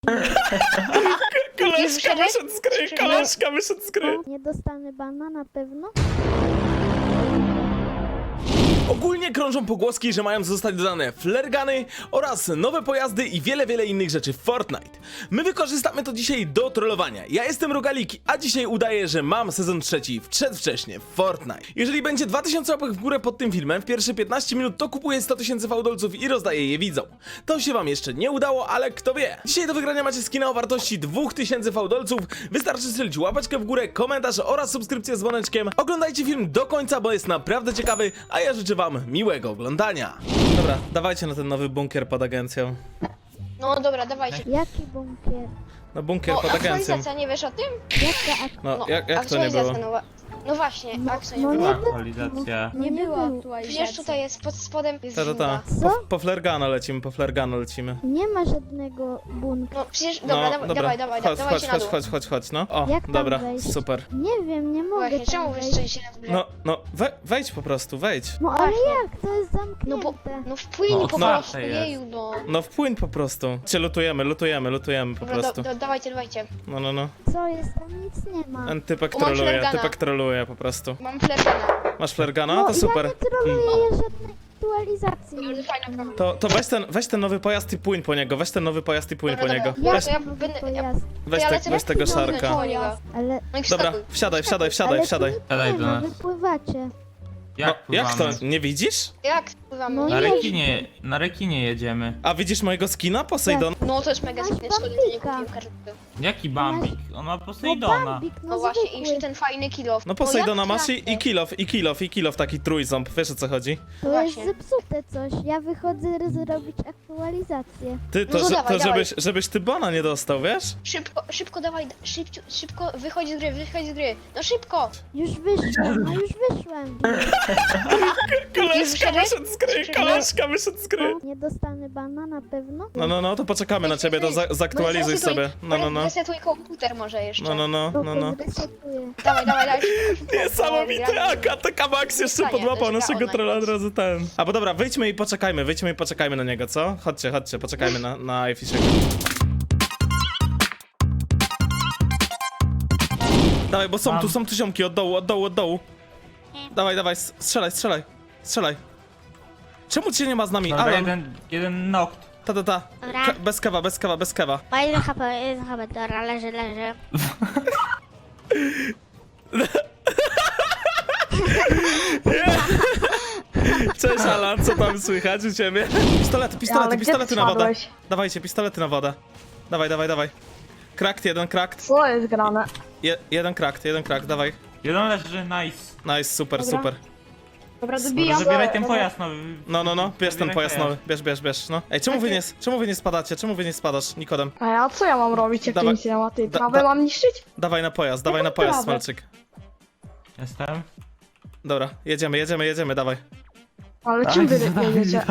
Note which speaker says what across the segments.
Speaker 1: Koleżka wyszedł z gry, koleżka wyszedł z gry.
Speaker 2: Nie dostanę bana na pewno?
Speaker 1: Ogólnie krążą pogłoski, że mają zostać dodane flaregany oraz nowe pojazdy i wiele innych rzeczy w Fortnite. My wykorzystamy to dzisiaj do trollowania. Ja jestem Rogalik, a dzisiaj udaję, że mam sezon trzeci przedwcześnie w Fortnite. Jeżeli będzie 2000 łapek w górę pod tym filmem w pierwsze 15 minut, to kupuję 100 000 fałdolców i rozdaję je widzom. To się wam jeszcze nie udało, ale kto wie. Dzisiaj do wygrania macie skina o wartości 2000 fałdolców. Wystarczy strzelić łapeczkę w górę, komentarz oraz subskrypcję z dzwoneczkiem. Oglądajcie film do końca, bo jest naprawdę ciekawy, a ja życzę wam miłego oglądania. Dobra, dawajcie na ten nowy bunkier pod agencją.
Speaker 3: No dobra, dawajcie.
Speaker 2: Jaki bunkier?
Speaker 1: No bunkier
Speaker 3: O,
Speaker 1: pod agencją.
Speaker 3: aktualizacja, nie wiesz o tym?
Speaker 2: Jaka
Speaker 1: No,
Speaker 3: No,
Speaker 1: jak to nie
Speaker 3: aktualizacja
Speaker 1: było?
Speaker 3: nowa. No właśnie,
Speaker 2: No,
Speaker 3: aktualizacja.
Speaker 2: no
Speaker 3: nie
Speaker 2: nie
Speaker 3: była.
Speaker 4: Aktualizacja.
Speaker 2: Nie była
Speaker 3: Przecież tutaj jest pod spodem jest
Speaker 1: Ta.
Speaker 3: żółta.
Speaker 2: Co?
Speaker 1: Po flergana lecimy, po flergana lecimy.
Speaker 2: Nie ma żadnego bunkra.
Speaker 3: No przecież,
Speaker 1: No,
Speaker 3: dawaj,
Speaker 1: chodź, no. O,
Speaker 2: Jak tam
Speaker 1: dobra,
Speaker 2: wejść?
Speaker 1: super.
Speaker 2: Nie wiem, nie mogę
Speaker 3: Właśnie, czemu
Speaker 2: tam
Speaker 3: wy
Speaker 2: wejść.
Speaker 3: strzelicie na górze?
Speaker 1: Wejdź po prostu, wejdź.
Speaker 2: No ale
Speaker 3: Właśnie.
Speaker 2: jak? To jest zamknięte.
Speaker 3: No bo, no wpłyń
Speaker 4: No,
Speaker 3: po
Speaker 4: no.
Speaker 3: prostu,
Speaker 4: jest.
Speaker 3: jeju, no.
Speaker 1: No wpłyń po prostu. Cię lutujemy po
Speaker 3: Dobra,
Speaker 1: prostu.
Speaker 3: dawajcie.
Speaker 1: No.
Speaker 2: Co jest? Tam nic nie ma.
Speaker 1: Ten typek
Speaker 3: O, mam
Speaker 1: troluje,
Speaker 3: flergana.
Speaker 1: po prostu.
Speaker 3: Mam flergana.
Speaker 1: Masz flergana?
Speaker 2: No,
Speaker 1: To super.
Speaker 2: ja nie troluję żadnej aktualizacji.
Speaker 3: Bardzo fajna prawa.
Speaker 1: Weź ten nowy pojazd i płyń po niego,
Speaker 3: Dobra,
Speaker 1: po niego.
Speaker 3: dobra.
Speaker 1: Weź,
Speaker 3: to ja
Speaker 2: nowy
Speaker 3: będę-
Speaker 2: pojazd?
Speaker 1: weź tego szarka.
Speaker 2: Ale...
Speaker 3: No i
Speaker 1: Dobra,
Speaker 3: wskakuj.
Speaker 1: wsiadaj.
Speaker 2: Ale
Speaker 4: Siadaj
Speaker 2: tu
Speaker 4: do
Speaker 2: nie ma,
Speaker 4: nas.
Speaker 2: wypływacie.
Speaker 1: No,
Speaker 4: Jak
Speaker 1: jak to?
Speaker 4: pływamy?
Speaker 1: Nie widzisz?
Speaker 3: Jak wpływamy?
Speaker 2: No
Speaker 4: Na rekinie jedziemy.
Speaker 1: A widzisz mojego skina, Poseidon?
Speaker 3: No to jest mega
Speaker 2: Masz
Speaker 3: zbyt szkoda, że nie
Speaker 2: bambika.
Speaker 3: kupiłem karty.
Speaker 4: Jaki Bambik? On ma
Speaker 2: No
Speaker 4: Poseidona.
Speaker 2: Bambik,
Speaker 3: No
Speaker 2: no
Speaker 3: właśnie, i
Speaker 2: zwykły.
Speaker 3: jeszcze ten fajny kilof.
Speaker 1: No
Speaker 3: O,
Speaker 1: Poseidona
Speaker 3: jak
Speaker 1: masz
Speaker 3: trafę?
Speaker 1: i kilof, taki trójząb, wiesz o co chodzi?
Speaker 2: To
Speaker 3: Właśnie.
Speaker 2: jest zepsute coś. Ja wychodzę zrobić aktualizację.
Speaker 1: Ty,
Speaker 3: No to dawaj, dawaj.
Speaker 1: żebyś ty bana nie dostał, wiesz?
Speaker 3: Szybko dawaj, szybko, wychodź z gry. No szybko!
Speaker 2: Już wyszłem, no już wyszłem.
Speaker 3: Koleżka wyszedł
Speaker 1: z gry, koleżka wyszedł z gry.
Speaker 2: Nie dostanę bana na pewno?
Speaker 1: No, to poczekamy na ciebie, to zaktualizuj sobie. No.
Speaker 3: Resetuj komputer może jeszcze.
Speaker 1: No.
Speaker 2: Zresetuję.
Speaker 3: Dawaj. Szybko.
Speaker 1: Niesamowite, AKTK Max jeszcze
Speaker 3: Zostanie,
Speaker 1: podłapał
Speaker 3: to jest
Speaker 1: naszego
Speaker 3: gra
Speaker 1: trolla od
Speaker 3: online.
Speaker 1: razu ten. A bo dobra, wyjdźmy i poczekajmy na niego, co? Chodźcie, poczekajmy na iFishego. Dawaj, bo są tu ziomki od dołu. Dawaj, strzelaj. Czemu cię nie ma z nami?
Speaker 4: Dobra,
Speaker 1: Alan,
Speaker 4: jeden nokt.
Speaker 1: ta.
Speaker 5: Dobra.
Speaker 1: Bez kewa.
Speaker 5: Ma jeden HP, dobra, leży.
Speaker 1: Cześć Alan, co tam słychać u ciebie? Pistolety na wodę. Dawajcie, pistolety na wodę. Dawaj. Krakt, jeden krakt.
Speaker 6: Co jest grane?
Speaker 1: Jeden krakt, dawaj.
Speaker 4: Jeden leży, nice.
Speaker 1: Nice, super.
Speaker 6: Dobra,
Speaker 4: Dobra,
Speaker 6: dobijam.
Speaker 4: zabieraj ten pojazd nowy.
Speaker 1: No, bierz ten
Speaker 4: Zabieraj
Speaker 1: pojazd nowy, bierz, no. Ej, czemu wy nie spadacie? Czemu wy nie spadasz, Nikodem?
Speaker 6: A ja co ja mam robić, jak
Speaker 1: Dawaj.
Speaker 6: nic nie ma? Ty
Speaker 1: Da-
Speaker 6: trawę
Speaker 1: da-
Speaker 6: mam niszczyć?
Speaker 1: Dawaj na pojazd,
Speaker 6: trawę.
Speaker 1: Smalczyk.
Speaker 4: Jestem.
Speaker 1: Dobra, jedziemy, dawaj.
Speaker 6: Ale czym wy jedziecie?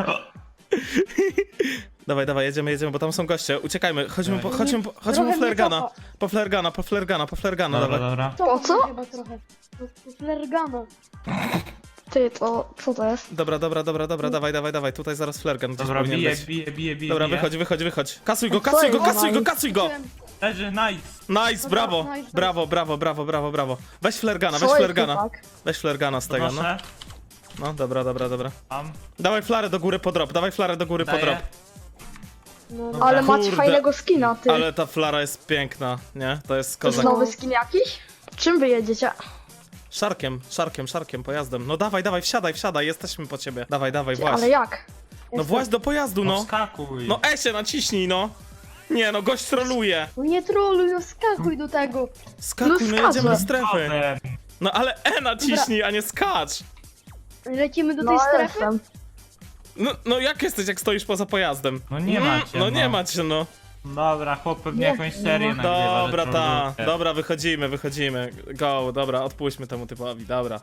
Speaker 1: Dawaj, jedziemy, bo tam są goście. Uciekajmy, chodźmy po
Speaker 6: Trochę
Speaker 1: flergana.
Speaker 6: mnie
Speaker 1: Po flergana,
Speaker 4: Dobra,
Speaker 1: dawaj.
Speaker 4: dobra.
Speaker 6: Po co?
Speaker 7: Chyba trochę. To flergana.
Speaker 6: Ty, to co to jest?
Speaker 1: Dobra, dawaj, tutaj zaraz flergan gdzieś
Speaker 4: Dobra,
Speaker 1: powinien
Speaker 4: bije,
Speaker 1: być.
Speaker 4: bije.
Speaker 1: Dobra, wychodź. Kasuj go,
Speaker 6: Co jest?
Speaker 1: kasuj go!
Speaker 4: Leży, nice.
Speaker 1: Nice, brawo!
Speaker 7: nice.
Speaker 1: Brawo. Weź flergana,
Speaker 6: Co jest, chłopak?
Speaker 1: Weź flergana z tego, no.
Speaker 4: Podnoszę.
Speaker 1: No, dobra.
Speaker 4: Mam.
Speaker 1: Dawaj flarę do góry po drop,
Speaker 4: Daję.
Speaker 7: No,
Speaker 6: Ale macie
Speaker 1: Kurde.
Speaker 6: fajnego skina, ty.
Speaker 1: Ale ta flara jest piękna, nie? To jest
Speaker 6: To jest
Speaker 1: kozak.
Speaker 6: nowy skin jakiś? Czym wy jedziecie?
Speaker 1: Szarkiem, pojazdem. No dawaj, wsiadaj, jesteśmy po ciebie. Dawaj,
Speaker 6: Ty,
Speaker 1: właź.
Speaker 6: ale jak?
Speaker 1: No właź do pojazdu,
Speaker 4: No
Speaker 1: no.
Speaker 4: skakuj.
Speaker 1: No się naciśnij, no. Nie no, gość troluje.
Speaker 7: No nie troluj, no skakuj do tego.
Speaker 1: Skakuj, no
Speaker 6: skaczę.
Speaker 1: jedziemy do strefy.
Speaker 4: Potem.
Speaker 1: No ale naciśnij, a nie skacz.
Speaker 7: Lecimy do
Speaker 6: No
Speaker 7: tej strefy?
Speaker 6: jestem.
Speaker 1: No jak jesteś, jak stoisz poza pojazdem?
Speaker 4: No nie macie,
Speaker 1: No nie macie, no.
Speaker 4: Dobra, chłop pewnie jakąś serię nagrywa.
Speaker 1: Dobra,
Speaker 4: że
Speaker 1: ta.
Speaker 4: troluje.
Speaker 1: Dobra, wychodzimy. Go, dobra, odpuśćmy temu typowi, dobra.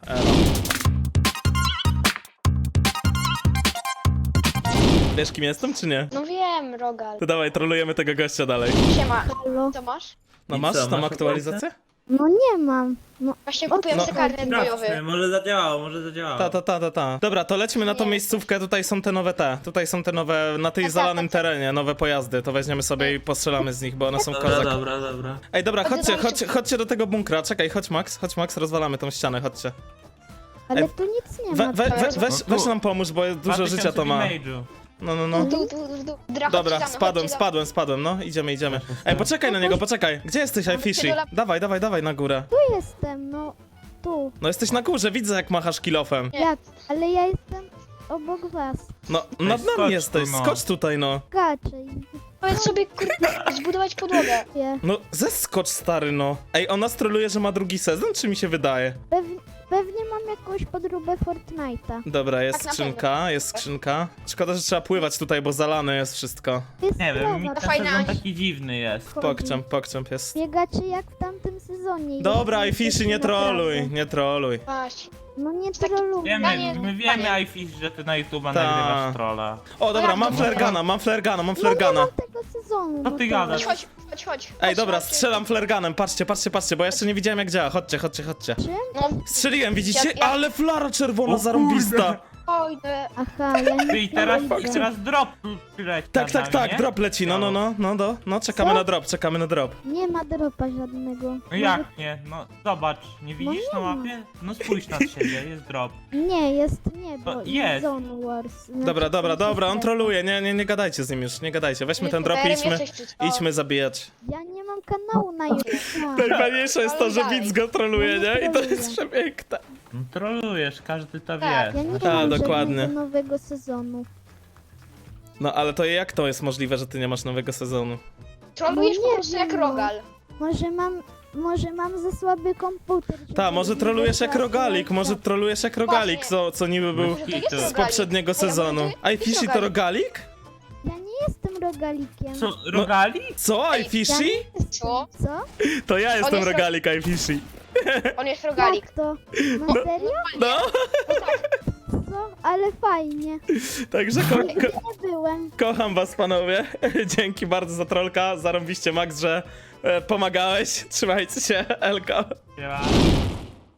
Speaker 1: Wiesz kim jestem, czy nie?
Speaker 3: No wiem, Rogal.
Speaker 1: To dawaj, trolujemy tego gościa dalej.
Speaker 3: Siema.
Speaker 2: Halo?
Speaker 3: Co masz?
Speaker 1: No
Speaker 4: I
Speaker 1: masz
Speaker 4: co,
Speaker 1: tam
Speaker 4: masz
Speaker 1: aktualizację?
Speaker 2: No nie mam. No,
Speaker 3: Właśnie kupiłem
Speaker 1: No.
Speaker 3: sobie karnet bojowy.
Speaker 4: Sprawdźmy, może zadziałało, może zadziałało.
Speaker 1: Ta. Dobra, to lecimy na tą
Speaker 3: Nie.
Speaker 1: miejscówkę, tutaj są te nowe Tutaj są te nowe, na tej
Speaker 3: Tak,
Speaker 1: zalanym
Speaker 3: tak, tak.
Speaker 1: terenie, nowe pojazdy. To weźmiemy sobie i postrzelamy z nich, bo one są
Speaker 4: Dobra,
Speaker 1: kozak.
Speaker 4: dobra.
Speaker 1: Ej, dobra,
Speaker 3: A ty
Speaker 1: chodźcie,
Speaker 3: dajcie-
Speaker 1: chodźcie do tego bunkra. Czekaj, chodź Max, rozwalamy tą ścianę, chodźcie.
Speaker 2: ale
Speaker 1: Ej,
Speaker 2: tu nic nie ma.
Speaker 1: Weź nam pomóż, bo dużo życia to ma. No.
Speaker 3: Tu.
Speaker 1: Dobra, spadłem, no, idziemy. Ej, poczekaj na niego, poczekaj. Gdzie jesteś, iFishy? Dawaj na górę.
Speaker 2: Tu jestem, no. Tu.
Speaker 1: No jesteś na górze, widzę jak machasz kilofem.
Speaker 3: Nie.
Speaker 2: Jak? Ale ja jestem obok was.
Speaker 1: No, nad
Speaker 4: skocz
Speaker 1: nami
Speaker 4: tu,
Speaker 1: jesteś,
Speaker 4: no.
Speaker 1: skocz tutaj, no.
Speaker 2: Skaczę i
Speaker 3: Powiedz sobie, kurde, zbudować podłogę.
Speaker 2: wie.
Speaker 1: No, zeskocz, stary, no. Ej, ona troluje, że ma drugi sezon, czy mi się wydaje?
Speaker 2: Pewnie mam jakąś podróbę Fortnite'a.
Speaker 1: Dobra, jest
Speaker 3: Tak, na
Speaker 1: skrzynka, Szkoda, że trzeba pływać tutaj, bo zalane jest wszystko.
Speaker 2: Jest
Speaker 4: Nie wiem, mi
Speaker 2: sprawa.
Speaker 4: ten
Speaker 3: Fajna.
Speaker 4: sezon taki dziwny jest.
Speaker 1: Pokczamp jest.
Speaker 2: Biegacie jak w tamtym sezonie.
Speaker 1: Dobra,
Speaker 2: Jest
Speaker 1: iFishy, nie
Speaker 2: naprawdę.
Speaker 1: troluj.
Speaker 3: Właśnie.
Speaker 2: No nie
Speaker 3: Taki-
Speaker 2: troluję.
Speaker 4: Wiemy,
Speaker 3: Panie-
Speaker 4: my wiemy, iFish, że ty na YouTube'a
Speaker 1: Ta.
Speaker 4: nagrywasz trolla.
Speaker 1: O, dobra,
Speaker 3: jak
Speaker 1: mam
Speaker 3: to
Speaker 1: flergana.
Speaker 2: No nie mam tego sezonu.
Speaker 4: Co
Speaker 2: no
Speaker 4: ty
Speaker 2: to-
Speaker 4: gadasz?
Speaker 3: Chodź.
Speaker 1: Ej, dobra,
Speaker 3: Chodź.
Speaker 1: strzelam flerganem, patrzcie, bo ja jeszcze nie widziałem jak działa. Chodźcie.
Speaker 2: Czym?
Speaker 3: No,
Speaker 1: Strzeliłem, widzicie?
Speaker 3: Ja-
Speaker 1: Ale flara czerwona,
Speaker 4: O
Speaker 1: zarąbista.
Speaker 3: ojdę.
Speaker 2: Aha, ja nie
Speaker 4: Ty i teraz
Speaker 2: widzę.
Speaker 4: drop przyleci
Speaker 1: Tak,
Speaker 4: nad nami, nie?
Speaker 1: drop leci, no, czekamy
Speaker 2: Co?
Speaker 1: na drop.
Speaker 2: Nie ma dropa żadnego.
Speaker 4: No jak nie? No zobacz, nie widzisz
Speaker 2: nie
Speaker 4: na
Speaker 2: ma.
Speaker 4: mapie? No spójrz na siebie, jest drop.
Speaker 2: Nie, jest niebo.
Speaker 4: No,
Speaker 2: i
Speaker 4: jest.
Speaker 2: Zone Wars. Znaczy,
Speaker 1: Dobra, on
Speaker 2: jest-
Speaker 1: troluje, nie gadajcie z nim już, nie gadajcie. Weźmy ten drop i idźmy zabijać.
Speaker 2: Ja nie mam kanału na YouTube.
Speaker 1: Najfajniejsze jest to, że widz go troluje, nie? I to jest
Speaker 2: Troluje.
Speaker 1: przepiękne.
Speaker 4: No trolujesz, każdy to
Speaker 3: Tak,
Speaker 4: wie.
Speaker 2: Ja nie
Speaker 1: A,
Speaker 2: mam
Speaker 1: dokładnie.
Speaker 2: żadnego nowego sezonu.
Speaker 1: No ale to jak to jest możliwe, że ty nie masz nowego sezonu?
Speaker 3: Trolujesz
Speaker 2: No
Speaker 3: po
Speaker 2: nie
Speaker 3: prostu
Speaker 2: wiem,
Speaker 3: jak
Speaker 2: no.
Speaker 3: rogal.
Speaker 2: Może mam za słaby komputer. żeby
Speaker 1: Ta, może trolujesz jak
Speaker 2: wygrać
Speaker 1: rogalik, może trolujesz jak rogalik, co niby był
Speaker 3: Może to jest
Speaker 4: z
Speaker 1: z
Speaker 3: rogalik.
Speaker 1: poprzedniego
Speaker 3: Ej, a może
Speaker 1: sezonu.
Speaker 3: to jest
Speaker 1: iFishy to rogalik?
Speaker 2: Ja nie jestem rogalikiem.
Speaker 4: Co, rogali?
Speaker 1: Co, iFishy?
Speaker 3: Co?
Speaker 2: Co?
Speaker 1: To ja jestem
Speaker 3: jest
Speaker 1: rogalik, iFishy.
Speaker 3: On jest rogalik.
Speaker 2: Jak to? Na serio?
Speaker 1: No,
Speaker 2: Co? Ale fajnie.
Speaker 1: także
Speaker 2: Nie byłem.
Speaker 1: kocham was, panowie. Dzięki bardzo za trolka, zarąbiście Max, że pomagałeś. Trzymajcie się, Elka.
Speaker 4: Siema.